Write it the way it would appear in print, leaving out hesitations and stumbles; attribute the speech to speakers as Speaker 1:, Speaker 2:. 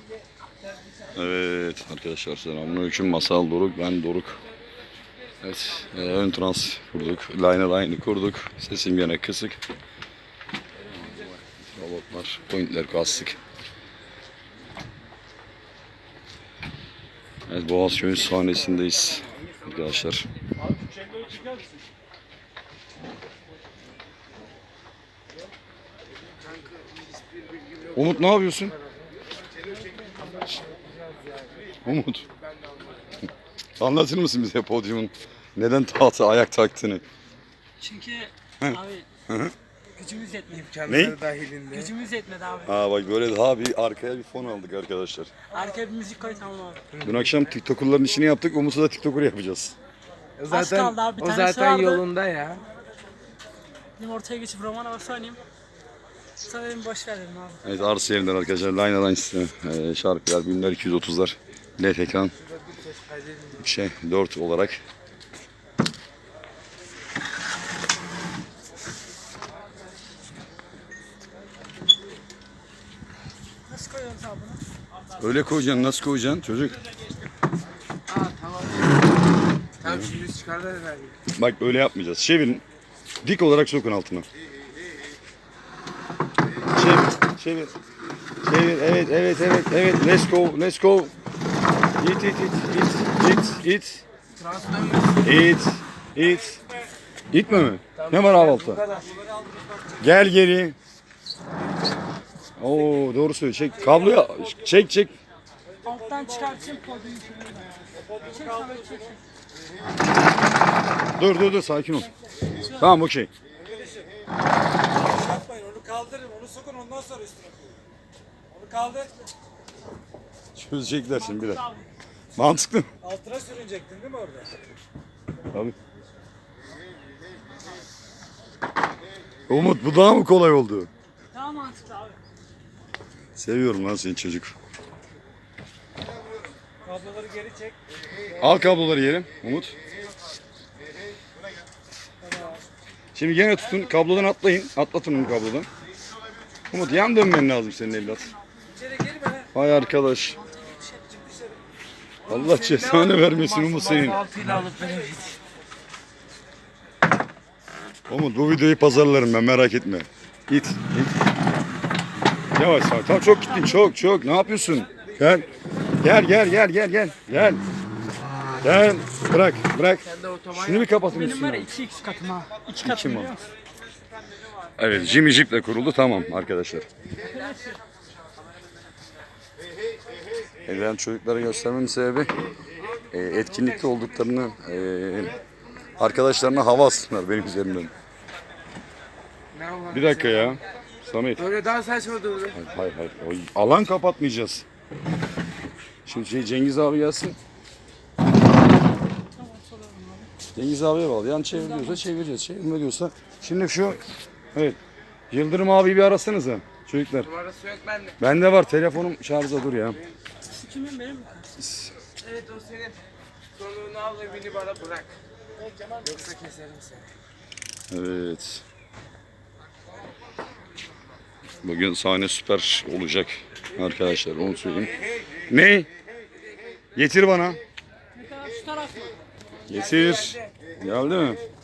Speaker 1: Evet arkadaşlar, selamünaleyküm. Masal Doruk, ben Doruk. Evet, ön trans kurduk, line kurduk. Sesim gene kısık. Robotlar, pointler kastık. Evet, Boğazköy'ün sahnesindeyiz arkadaşlar. Umut, ne yapıyorsun? Umut. Anlatır mısın bize podyumun neden tahta ayak taktığını?
Speaker 2: Çünkü
Speaker 1: Hı.
Speaker 2: abi gücümüz yetmedi.
Speaker 1: Ne?
Speaker 3: Dahilinde.
Speaker 2: Gücümüz yetmedi abi.
Speaker 1: Aa bak, böyle daha bir arkaya bir fon aldık arkadaşlar.
Speaker 2: Arkaya bir müzik koy, tamam abi.
Speaker 1: Dün akşam TikToker'ların işini yaptık. Umut'u da TikToker yapacağız.
Speaker 2: Az kaldı abi, bir
Speaker 3: o
Speaker 2: tanesi
Speaker 3: zaten
Speaker 2: vardı.
Speaker 3: yolunda ya.
Speaker 2: Benim ortaya geçip roman havası oynayayım. Sonra dedim boş ver dedim abi.
Speaker 1: Evet, arsa yerinden arkadaşlar. Line'dan işte şarkılar, BİM'ler 230'lar. LED ekran. 4 olarak.
Speaker 2: Nasıl koyuyoruz abi bunu?
Speaker 1: Öyle koyacaksın. Nasıl koyacaksın çocuk?
Speaker 3: Tamam. Tamam, şimdi çıkarlar herhalde.
Speaker 1: Bak, öyle yapmayacağız. Çevirin. Dik olarak sokun altına. Çevir. Çevir. Evet. Let's go. İt. İtme mi? Ne var altta? Gel geri. Oo, doğru söylüyor. Çek kabloyu. Çek.
Speaker 2: Alttan çıkartayım podyumu. Çek sana, çek.
Speaker 1: Dur, sakin ol. Tamam, okey.
Speaker 4: Yapmayın, onu kaldırın, onu sokun, ondan sonra üstüne koyun. Onu kaldır,
Speaker 1: Çözecekler şimdi biraz. Mantıklı mı?
Speaker 4: altına sürünecektin değil mi orada?
Speaker 1: Tabii. Umut, bu daha mı kolay oldu?
Speaker 2: Daha mantıklı abi.
Speaker 1: Seviyorum lan seni çocuk.
Speaker 4: Kabloları geri çek.
Speaker 1: Al kabloları yerim Umut. Şimdi gene tutun, kablodan atlayın. Atlatın onu kablodan. Umut, yan dönmen lazım senin evlat.
Speaker 4: İçeri girme.
Speaker 1: Vay arkadaş. Allah cezanı vermesin Umut senin.
Speaker 3: Altıyla alıp beni git.
Speaker 1: Umut, bu videoyu pazarlarım ben, merak etme. İt. Yavaş. Tamam, çok gittin, çok. Ne yapıyorsun? Gel. Gel. Bırak.
Speaker 3: Sen de otoban
Speaker 1: Şunu bir kapatın
Speaker 2: Benim var
Speaker 1: üstüne.
Speaker 2: ya 2x katım ha. 2 katım
Speaker 1: mi?
Speaker 2: biliyor musun?
Speaker 1: Evet, Jimmy Jeep'le kuruldu, tamam arkadaşlar. Ben çocuklara göstermemin sebebi etkinlikte olduklarını, arkadaşlarına hava atsınlar benim üzerimden.
Speaker 3: ne var?
Speaker 1: Bir dakika ya. Samet.
Speaker 3: Böyle daha saçma durdu.
Speaker 1: Hayır. O alan kapatmayacağız. Şimdi Cengiz abi gelsin. Cengiz abiye bağlı. Yani çeviriyorsa çevireceğiz. Çevirme diyorsa. Şimdi şu, evet. Yıldırım abi bir arasanıza çocuklar.
Speaker 3: Numarası yok bende.
Speaker 1: Bende var, telefonum şarjda, dur ya.
Speaker 2: Kimin benim mi?
Speaker 3: Evet, o senin. Sorunu al ve beni bana bırak. Yoksa keserim seni.
Speaker 1: Evet. Bugün sahne süper olacak arkadaşlar, onu söyleyeyim. Ne? Getir bana.
Speaker 2: Ne kadar şu taraf mı?
Speaker 1: Getir. Geldi mi?